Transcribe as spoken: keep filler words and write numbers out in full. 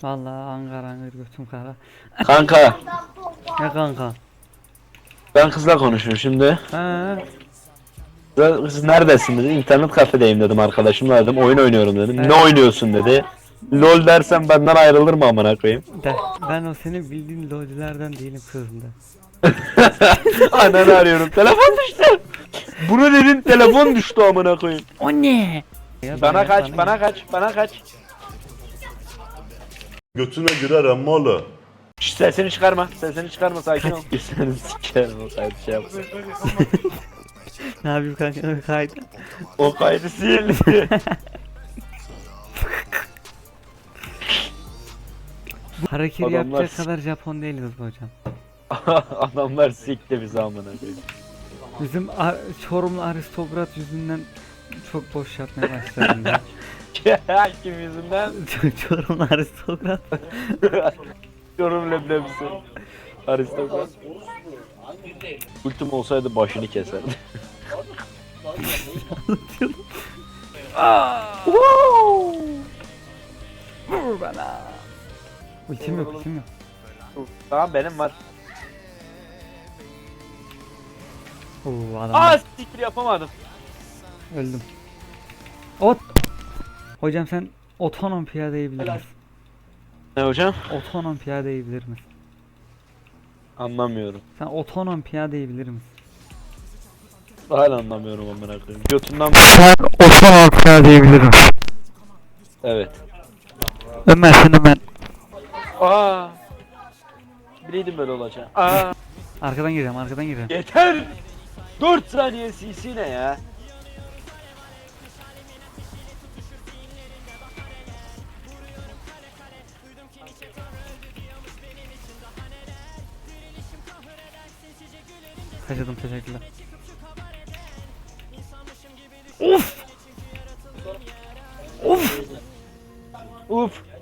Vallahi angar angar götüm kara. Kanka Ne kanka? ben kızla konuşuyorum şimdi. Ha, Kız neredesin dedi. İnternet kafedeyim dedim, arkadaşımla dedim. Oyun oynuyorum dedim. Evet. Ne oynuyorsun dedi. LOL dersen benden ayrılır mı amına koyayım? de ben o senin bildiğin lolcilerden değilim kızım da. Ananı arıyorum. Telefon düştü. Bunu dedin, telefon düştü amına koyayım. O ne? Ya Bana kaç, bana bana kaç, bana kaç. Götüne girer emmalı. Şşş, sesini çıkarma, sesini çıkarma, sakin ol. Seni sikerim, o kaydı şey yapma. Ne yapayım kanka kaydı. O kaydı sil. Hareketi Adamlar yapacak s- kadar Japon değiliz bu hocam. Adamlar sikti bizi amına koyayım. Bizim a- Çorumlu aristokrat yüzünden çok boş yapmaya başladım ya. Kim yüzünden? Ç- Çorumlu aristokrat. Yorum leblebisi. Aristokrat. Ultim olsaydı başını keserdi. Vur bana. Ultim yok, ultim yok. Tamam, benim var. Oo adam. Aa siktir, yapamadım. Öldüm. Ot. Hocam sen otonom piyadeyi bilir misin? Ne hocam? Otonom piyadeyi bilir misin? Anlamıyorum. Sen otonom piyadeyi bilir misin? Hala anlamıyorum amına koyayım. Götünden Sen otonom piyadeyi bilir misin? evet. Ömer sen Ömer. Aa. Bileydim böyle olacak. Aa. Arkadan gireceğim, arkadan gireceğim. Yeter. dört saniye C C ne ya? Kaçırdım, teşekkürler. Of! Of! Uf.